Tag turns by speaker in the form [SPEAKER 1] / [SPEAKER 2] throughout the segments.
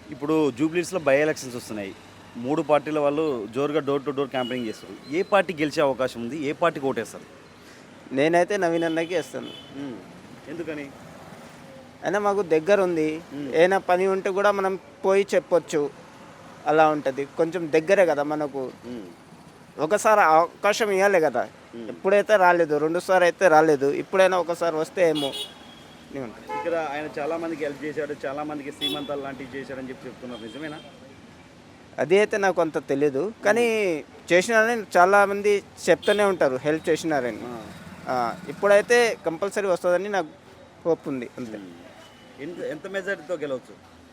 [SPEAKER 1] ఇప్పుడు జూబ్లీస్లో by elections వస్తున్నాయి. 3 పార్టీల వాళ్ళు జోరుగా డోర్ టు డోర్ క్యాంపెయినింగ్ చేస్తారు. ఏ పార్టీ గెలిచే అవకాశం ఉంది? ఏ పార్టీకి ఓటేస్తారు?
[SPEAKER 2] నేనైతే నవీన్ అన్నకి వేస్తాను.
[SPEAKER 1] ఎందుకని?
[SPEAKER 2] అయినా మాకు దగ్గర ఉంది. ఏమైనా పని ఉంటే కూడా మనం పోయి చెప్పొచ్చు. అలా ఉంటుంది. కొంచెం దగ్గరే కదా మనకు. ఒకసారి అవకాశం ఇవ్వాలి కదా. ఎప్పుడైతే రాలేదు, 2 సార్లు అయితే రాలేదు. ఇప్పుడైనా ఒకసారి వస్తే ఏమో.
[SPEAKER 1] ఇక్కడ ఆయన చాలా మందికి హెల్ప్ చేశాడు, చాలా మందికి శ్రీమంతాలు లాంటివి చేశాడని చెప్తున్నారు. నిజమేనా?
[SPEAKER 2] అది అయితే నాకు అంత తెలీదు, కానీ చేసినారని చాలామంది చెప్తూనే ఉంటారు హెల్ప్ చేసినారని. ఇప్పుడైతే కంపల్సరీ వస్తుందని నాకు హోప్ ఉంది. అంతే.
[SPEAKER 1] ఎంత మెజారిటీతో గెలవచ్చు?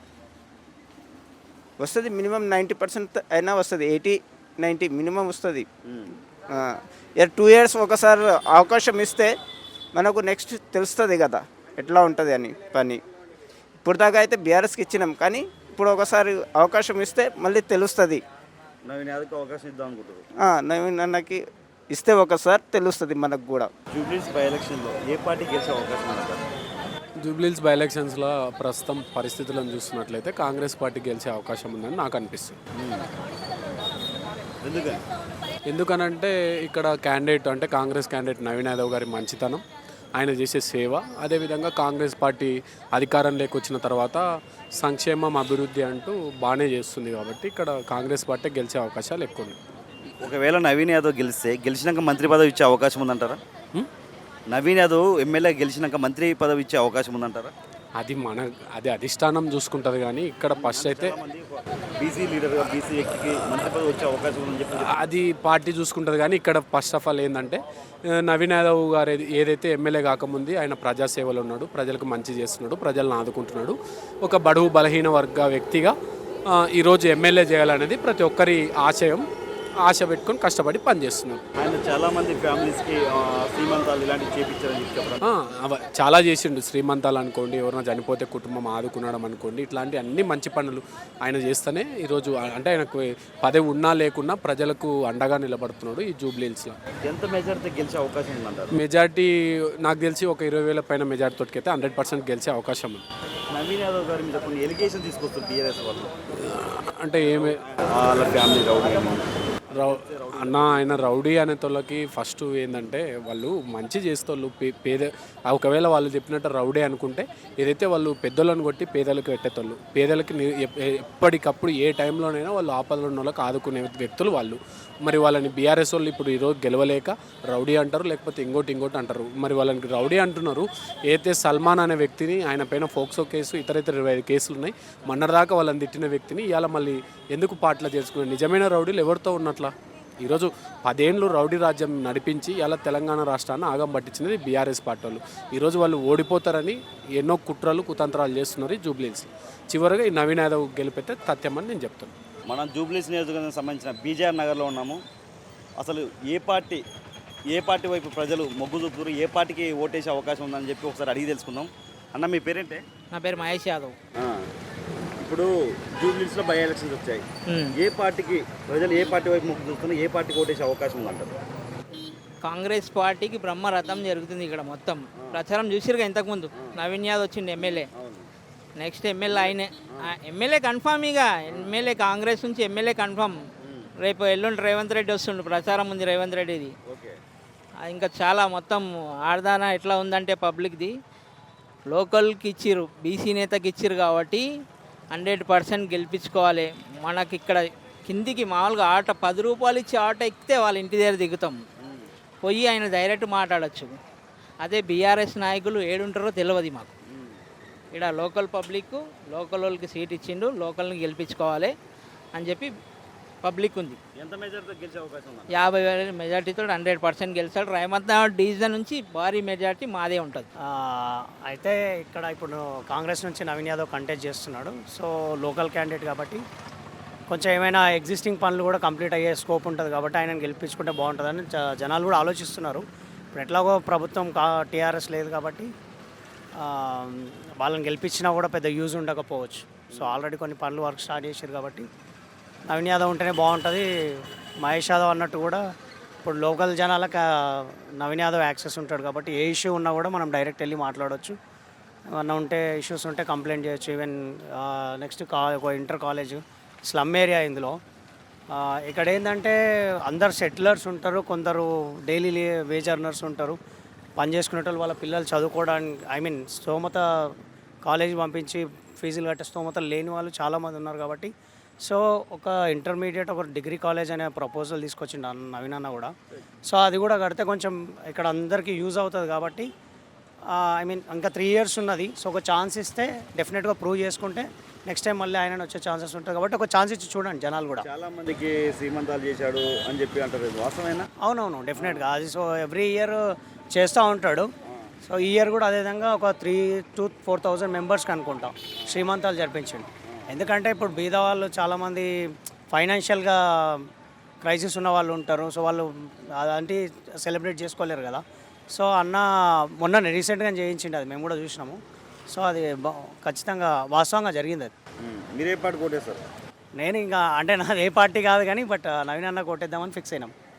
[SPEAKER 2] వస్తుంది మినిమం 90% అయినా వస్తుంది. 80-90 మినిమం వస్తుంది. 2 years ఒకసారి అవకాశం ఇస్తే మనకు నెక్స్ట్ తెలుస్తుంది కదా ఎట్లా ఉంటుంది అని పని. ఇప్పుడు దాకా అయితే బీఆర్ఎస్కి ఇచ్చినాం, కానీ ఇప్పుడు ఒకసారి అవకాశం ఇస్తే మళ్ళీ తెలుస్తుంది.
[SPEAKER 1] నవీన్ యాదవ్కి అవకాశం ఇద్దాం అనుకుంటారు.
[SPEAKER 2] నవీన్ అన్నకి ఇస్తే ఒకసారి తెలుస్తుంది మనకు కూడా.
[SPEAKER 1] జూబ్లీస్ బై ఎలక్షన్లో ఏ పార్టీ గెలిచే అవకాశం ఉంది?
[SPEAKER 3] జూబ్లీస్ బై ఎలక్షన్స్లో ప్రస్తుతం పరిస్థితులను చూస్తున్నట్లయితే కాంగ్రెస్ పార్టీ గెలిచే అవకాశం ఉందని నాకు అనిపిస్తుంది. ఎందుకనంటే ఇక్కడ క్యాండిడేట్ అంటే కాంగ్రెస్ క్యాండిడేట్ నవీన్ యాదవ్ గారి మంచితనం, ఆయన చేసే సేవ, అదేవిధంగా కాంగ్రెస్ పార్టీ అధికారంలోకి వచ్చిన తర్వాత సంక్షేమం అభివృద్ధి అంటూ బాగానే చేస్తుంది. కాబట్టి ఇక్కడ కాంగ్రెస్ పార్టీ గెలిచే అవకాశాలు ఎక్కువ ఉన్నాయి.
[SPEAKER 1] ఒకవేళ నవీన్ యాదవ్ గెలిచినాక మంత్రి పదవి ఇచ్చే అవకాశం ఉందంటారా? నవీన్ యాదవ్ ఎమ్మెల్యే గెలిచినాక మంత్రి పదవి ఇచ్చే అవకాశం ఉందంటారా?
[SPEAKER 3] అది అధిష్టానం చూసుకుంటుంది, కానీ ఇక్కడ ఫస్ట్ అయితే
[SPEAKER 1] బీసీ లీడర్గా బీసీ వ్యక్తికి మంత్రి పదవి వచ్చే అవకాశం ఉందని చెప్పి
[SPEAKER 3] అది పార్టీ చూసుకుంటుంది. కానీ ఇక్కడ ఫస్ట్ ఆఫ్ ఆల్ ఏంటంటే నవీన్ యాదవ్ గారు ఏదైతే ఎమ్మెల్యే కాకముందు ఆయన ప్రజాసేవలో ఉన్నాడు, ప్రజలకు మంచి చేస్తున్నాడు, ప్రజలను ఆదుకుంటున్నాడు. ఒక బడుగు బలహీన వర్గ వ్యక్తిగా ఈరోజు ఎమ్మెల్యే చేయాలనేది ప్రతి ఒక్కరి ఆశ పెట్టుకొని కష్టపడి పనిచేస్తున్నారు.
[SPEAKER 1] ఆయన చాలామంది ఫ్యామిలీస్కి శ్రీమంతాలు ఇలాంటివి చేయించారని చెప్పారు.
[SPEAKER 3] చాలా చేసిండు. శ్రీమంతాలు అనుకోండి, ఎవరైనా చనిపోతే కుటుంబం ఆదుకునడం అనుకోండి, ఇట్లాంటి అన్ని మంచి పనులు ఆయన చేస్తేనే ఈరోజు అంటే ఆయనకు పదవి ఉన్నా లేకున్నా ప్రజలకు అండగా నిలబడుతున్నాడు ఈ జూబ్లీహిల్స్లో.
[SPEAKER 1] ఎంత మెజారిటీ గెలిచే అవకాశం ఉందంటారు?
[SPEAKER 3] మెజార్టీ నాకు తెలిసి ఒక 20,000 పైన మెజార్టీతోటి అయితే 100% గెలిచే అవకాశం ఉంది.
[SPEAKER 1] నవీన్ యాదవ్ గారి మీద కొన్ని ఎలిగేషన్ తీసుకొస్తారు టీఆర్ఎస్ వాళ్ళు.
[SPEAKER 3] అంటే
[SPEAKER 1] వాళ్ళ ఫ్యామిలీ రౌడీ
[SPEAKER 3] ఆయన రౌడీ అనే తోళ్ళకి ఫస్ట్ ఏంటంటే వాళ్ళు మంచి చేస్తోళ్ళు ఒకవేళ వాళ్ళు చెప్పినట్టు రౌడీ అనుకుంటే ఏదైతే వాళ్ళు పెద్దోళ్ళని కొట్టి పేదలకు పెట్టేతోళ్ళు, పేదలకి ఎప్పటికప్పుడు ఏ టైంలోనైనా వాళ్ళు ఆపదలు ఉన్న వాళ్ళకి ఆదుకునే వ్యక్తులు వాళ్ళు. మరి వాళ్ళని బీఆర్ఎస్ వాళ్ళు ఇప్పుడు ఈరోజు గెలవలేక రౌడీ అంటారు, లేకపోతే ఇంకోటి అంటారు. మరి వాళ్ళని రౌడీ అంటున్నారు. అయితే సల్మాన్ అనే వ్యక్తిని, ఆయన పైన ఫోక్సో కేసు, ఇతర 25 కేసులు ఉన్నాయి. మొన్నటిదాకా వాళ్ళని తిట్టిన వ్యక్తిని ఇవాళ మళ్ళీ ఎందుకు పాటలు చేసుకున్నారు? నిజమైన రౌడీలు ఎవరితో ఉన్నట్లా? ఈరోజు 10 ఏళ్ళు రౌడీ రాజ్యం నడిపించి ఇలా తెలంగాణ రాష్ట్రాన్ని ఆగం పట్టించినది బీఆర్ఎస్ పార్టీ వాళ్ళు. ఈరోజు వాళ్ళు ఓడిపోతారని ఎన్నో కుట్రలు కుతంత్రాలు చేస్తున్నారు ఈ జూబ్లీహిల్స్. చివరిగా ఈ నవీన్ యాదవ్ గెలిపితే తథ్యమని నేను చెప్తాను.
[SPEAKER 1] మనం జూబ్లీహిల్స్ నియోజకవర్గానికి సంబంధించిన బీజేఆర్ నగర్లో ఉన్నాము. అసలు ఏ పార్టీ వైపు ప్రజలు మొగ్గు చూపుతారు, ఏ పార్టీకి ఓటేసే అవకాశం ఉందని చెప్పి ఒకసారి అడిగి తెలుసుకుందాం. అన్న మీ పేరేంటే?
[SPEAKER 4] నా పేరు మహేష్ యాదవ్.
[SPEAKER 1] ఇప్పుడు జూబ్లీహిల్స్లో బై ఎలక్షన్స్ వచ్చాయి. ప్రజలు ఏ పార్టీ వైపు మొగ్గు చూస్తున్నారు, ఏ పార్టీకి ఓటేసే అవకాశం ఉందంటారు?
[SPEAKER 4] కాంగ్రెస్ పార్టీకి బ్రహ్మరథం జరుగుతుంది ఇక్కడ మొత్తం. ప్రచారం చూసిరుగా ఇంతకుముందు నవీన్ యాదవ్ వచ్చిండు ఎమ్మెల్యే. నెక్స్ట్ ఎమ్మెల్యే ఆయనే. MLA confirm. ఇక ఎమ్మెల్యే కాంగ్రెస్ నుంచి ఎమ్మెల్యే కన్ఫామ్. రేపు ఎల్లుండి రేవంత్ రెడ్డి వస్తుండు. ప్రచారం ఉంది రేవంత్ రెడ్డిది. ఇంకా చాలా మొత్తం ఆర్దాన ఎట్లా ఉందంటే పబ్లిక్ది లోకల్కి ఇచ్చిర్రు, బీసీ నేతకి ఇచ్చిర్రు కాబట్టి 100% గెలిపించుకోవాలి. మనకి ఇక్కడ కిందికి మామూలుగా ఆటో 10 రూపాయలు ఇచ్చి ఆటో ఎక్కితే వాళ్ళ ఇంటి దగ్గర దిగుతాం, పోయి ఆయన డైరెక్ట్ మాట్లాడచ్చు. అదే బీఆర్ఎస్ నాయకులు ఏడుంటారో తెలియదు మాకు. ఇక్కడ లోకల్ పబ్లిక్, లోకల్ వాళ్ళకి సీట్ ఇచ్చిండు, లోకల్ని గెలిపించుకోవాలి అని చెప్పి పబ్లిక్ ఉంది.
[SPEAKER 1] ఎంత మెజారిటీతో గెలిచే అవకాశం ఉంది?
[SPEAKER 4] 50,000 మెజార్టీతో 100% గెలిచాడు. రేవంత్ డివిజన్ నుంచి భారీ మెజార్టీ మాదే ఉంటుంది.
[SPEAKER 5] అయితే ఇక్కడ ఇప్పుడు కాంగ్రెస్ నుంచి నవీన్ యాదవ్ కంటెస్ట్ చేస్తున్నాడు. సో లోకల్ క్యాండిడేట్ కాబట్టి కొంచెం ఏమైనా ఎగ్జిస్టింగ్ పనులు కూడా కంప్లీట్ అయ్యే స్కోప్ ఉంటుంది కాబట్టి ఆయనను గెలిపించుకుంటే బాగుంటుందని జనాలు కూడా ఆలోచిస్తున్నారు. ఇప్పుడు ఎట్లాగో ప్రభుత్వం టీఆర్ఎస్ లేదు కాబట్టి వాళ్ళని గెలిపించినా కూడా పెద్ద యూజ్ ఉండకపోవచ్చు. సో ఆల్రెడీ కొన్ని పనులు వర్క్ స్టార్ట్ చేశారు కాబట్టి నవీన్ యాదవ్ ఉంటేనే బాగుంటుంది. మహేష్ యాదవ్ అన్నట్టు కూడా ఇప్పుడు లోకల్ జనాలకు నవీన్ యాదవ్ యాక్సెస్ ఉంటాడు కాబట్టి ఏ ఇష్యూ ఉన్నా కూడా మనం డైరెక్ట్ వెళ్ళి మాట్లాడవచ్చు. ఏమన్నా ఉంటే ఇష్యూస్ ఉంటే కంప్లైంట్ చేయొచ్చు. ఈవెన్ నెక్స్ట్ ఒక ఇంటర్ కాలేజ్ స్లమ్ ఏరియా ఇందులో. ఇక్కడ ఏంటంటే అందరు సెటిలర్స్ ఉంటారు, కొందరు డైలీ వేజ్ అర్నర్స్ ఉంటారు, పని చేసుకునే వాళ్ళు వాళ్ళ పిల్లలు చదువుకోవడానికి స్తోమత కాలేజీ పంపించి ఫీజులు కట్టే స్తోమత లేని వాళ్ళు చాలామంది ఉన్నారు. కాబట్టి సో ఒక ఇంటర్మీడియట్ ఒక డిగ్రీ కాలేజ్ అనే ప్రపోజల్ తీసుకొచ్చిండు నవీన్ అన్న కూడా. సో అది కూడా కడితే కొంచెం ఇక్కడ అందరికీ యూజ్ అవుతుంది. కాబట్టి ఇంకా 3 years ఉన్నది. సో ఒక ఛాన్స్ ఇస్తే డెఫినెట్గా ప్రూవ్ చేసుకుంటే నెక్స్ట్ టైం మళ్ళీ ఆయన వచ్చే ఛాన్సెస్ ఉంటుంది. కాబట్టి ఒక ఛాన్స్ ఇచ్చి చూడండి జనాలు కూడా.
[SPEAKER 1] చాలా మందికి శ్రీమంతాలు చేశాడు అని చెప్పి అంటారు, వాస్తవేనా?
[SPEAKER 5] అవునవును, డెఫినెట్గా అది. సో ఎవ్రీ ఇయర్ చేస్తూ ఉంటాడు. సో ఈ ఇయర్ కూడా అదేవిధంగా ఒక 3,000 to 4,000 మెంబర్స్కి అనుకుంటాం శ్రీమంతాలు జరిపించండి. ఎందుకంటే ఇప్పుడు బీద వాళ్ళు చాలామంది ఫైనాన్షియల్గా క్రైసిస్ ఉన్న వాళ్ళు ఉంటారు. సో వాళ్ళు అలాంటి సెలబ్రేట్ చేసుకోలేరు కదా. సో అన్న మొన్న రీసెంట్గా చేయించిండు, అది మేము కూడా చూసినాము. సో అది ఖచ్చితంగా వాస్తవంగా జరిగింది. అది
[SPEAKER 1] మీరే పాటు కొట్టేస్తారు?
[SPEAKER 5] నేను ఇంకా అంటే నాది ఏ పార్టీ కాదు కానీ బట్ నవీన్ అన్న కొట్టేద్దామని ఫిక్స్ అయినాం.